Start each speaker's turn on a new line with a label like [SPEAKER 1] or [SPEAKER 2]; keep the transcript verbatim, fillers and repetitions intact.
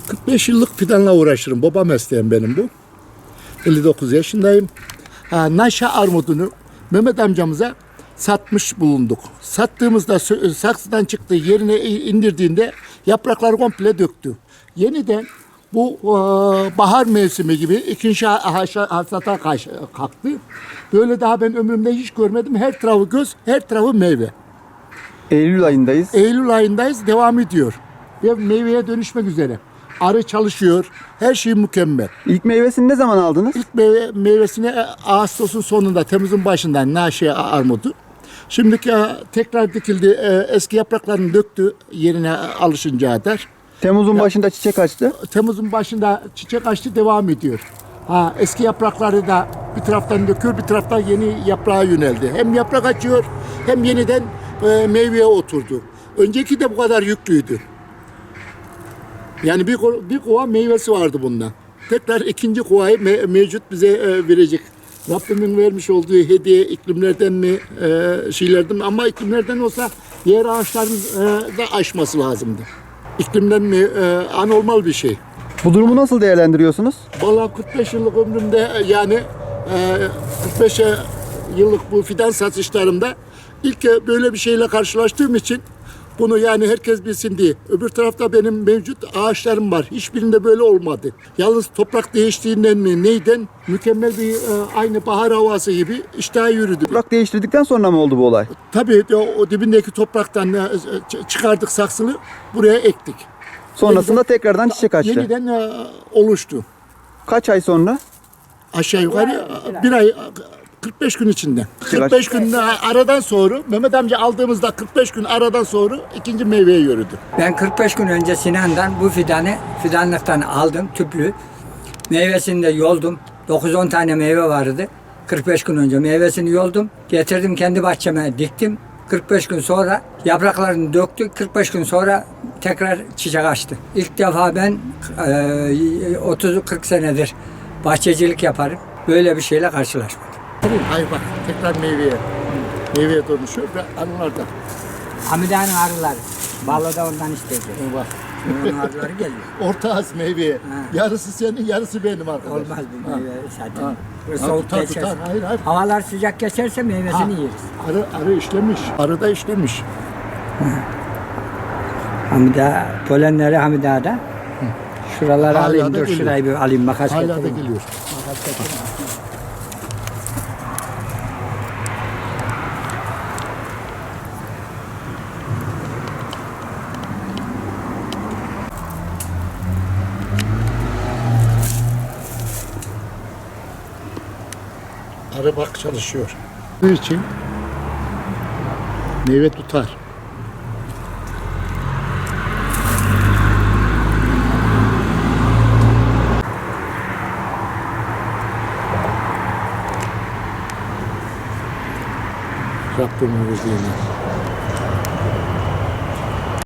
[SPEAKER 1] kırk beş yıllık fidanla uğraşırım. Baba mesleğim benim bu. elli dokuz yaşındayım. Ha, Naşa armudunu Mehmet amcamıza satmış bulunduk. Sattığımızda saksıdan çıktı, yerine indirdiğinde yaprakları komple döktü. Yeniden bu e, bahar mevsimi gibi ikinci hasata kalktı. Böyle daha ben ömrümde hiç görmedim. Her tarafı göz, her tarafı meyve.
[SPEAKER 2] Eylül ayındayız.
[SPEAKER 1] Eylül ayındayız, devam ediyor. Ve meyveye dönüşmek üzere. Arı çalışıyor, her şey mükemmel.
[SPEAKER 2] İlk meyvesini ne zaman aldınız?
[SPEAKER 1] İlk meyve, meyvesini Ağustos'un sonunda, Temmuz'un başında Naşe armudu. Şimdiki tekrar dikildi, eski yapraklarını döktü yerine alışıncaya kadar.
[SPEAKER 2] Temmuz'un
[SPEAKER 1] Ya,
[SPEAKER 2] başında çiçek açtı.
[SPEAKER 1] Temmuz'un başında çiçek açtı, devam ediyor. Ha, eski yaprakları da bir taraftan döküyor, bir taraftan yeni yaprağa yöneldi. Hem yaprak açıyor, hem yeniden e, meyveye oturdu. Önceki de bu kadar yüklüydü. Yani bir, bir kova meyvesi vardı bundan. Tekrar ikinci kovayı me- mevcut bize e, verecek. Rabbimin vermiş olduğu hediye iklimlerden mi, e, şeylerden mi? Ama iklimlerden olsa diğer ağaçların e, da aşması lazımdı. İklimden mi? E, anormal bir şey.
[SPEAKER 2] Bu durumu nasıl değerlendiriyorsunuz?
[SPEAKER 1] Vallahi kırk beş yıllık ömrümde e, yani e, kırk beş yıllık bu fidan satışlarımda ilk e, böyle bir şeyle karşılaştığım için bunu yani herkes bilsin diye. Öbür tarafta benim mevcut ağaçlarım var. Hiçbirinde böyle olmadı. Yalnız toprak değiştiğinden mi neyden mükemmel bir e, aynı bahar havası gibi iştah yürüdü.
[SPEAKER 2] Toprak değiştirdikten sonra mı oldu bu olay?
[SPEAKER 1] Tabii o, o dibindeki topraktan e, çıkardık saksını, buraya ektik.
[SPEAKER 2] Sonrasında
[SPEAKER 1] Yeniden,
[SPEAKER 2] tekrardan çiçek açtı.
[SPEAKER 1] Yeniden e, oluştu.
[SPEAKER 2] Kaç ay sonra?
[SPEAKER 1] Aşağı yukarı bir ay kırk beş gün içinde. kırk beş gün aradan sonra Mehmet amca aldığımızda kırk beş gün aradan sonra ikinci meyveye yürüdü.
[SPEAKER 3] Ben kırk beş gün önce Sinan'dan bu fidanı fidanlıktan aldım tüplü. Meyvesini de yoldum. dokuz on tane meyve vardı. kırk beş gün önce meyvesini yoldum. Getirdim kendi bahçeme diktim. kırk beş gün sonra yapraklarını döktük. kırk beş gün sonra tekrar çiçek açtı. İlk defa ben e, otuz kırk senedir bahçecilik yaparım. Böyle bir şeyle karşılaşmadım.
[SPEAKER 1] Hayır bak tekrar meyveye. Meyveye dönüşüyor ve arılar da.
[SPEAKER 3] Hamide'nin arıları. Vallahi da ondan istedi.
[SPEAKER 1] Bak.
[SPEAKER 3] Onun arıları geliyor.
[SPEAKER 1] Ortağız meyveye.
[SPEAKER 3] Ha.
[SPEAKER 1] Yarısı senin, yarısı benim arkadaş.
[SPEAKER 3] Olmaz bu meyve zaten.
[SPEAKER 1] Ha.
[SPEAKER 3] Böyle
[SPEAKER 1] Ha,
[SPEAKER 3] soğuk
[SPEAKER 1] tutar,
[SPEAKER 3] geçerse.
[SPEAKER 1] tutar. Hayır, hayır.
[SPEAKER 3] Havalar sıcak geçerse meyvesini
[SPEAKER 1] Ha,
[SPEAKER 3] yeriz.
[SPEAKER 1] Arı, arı işlemiş. Arı da işlemiş.
[SPEAKER 3] Hamide, polenleri Hamide'de. Şuraları
[SPEAKER 1] Hala
[SPEAKER 3] alayım,
[SPEAKER 1] da
[SPEAKER 3] dur
[SPEAKER 1] geliyor.
[SPEAKER 3] şurayı bir alayım, makas
[SPEAKER 1] Hala da
[SPEAKER 3] getireyim.
[SPEAKER 1] geliyor.
[SPEAKER 3] Makas getireyim.
[SPEAKER 1] Arı bak çalışıyor. Bunun için meyve tutar. Rabbimin verdiğini.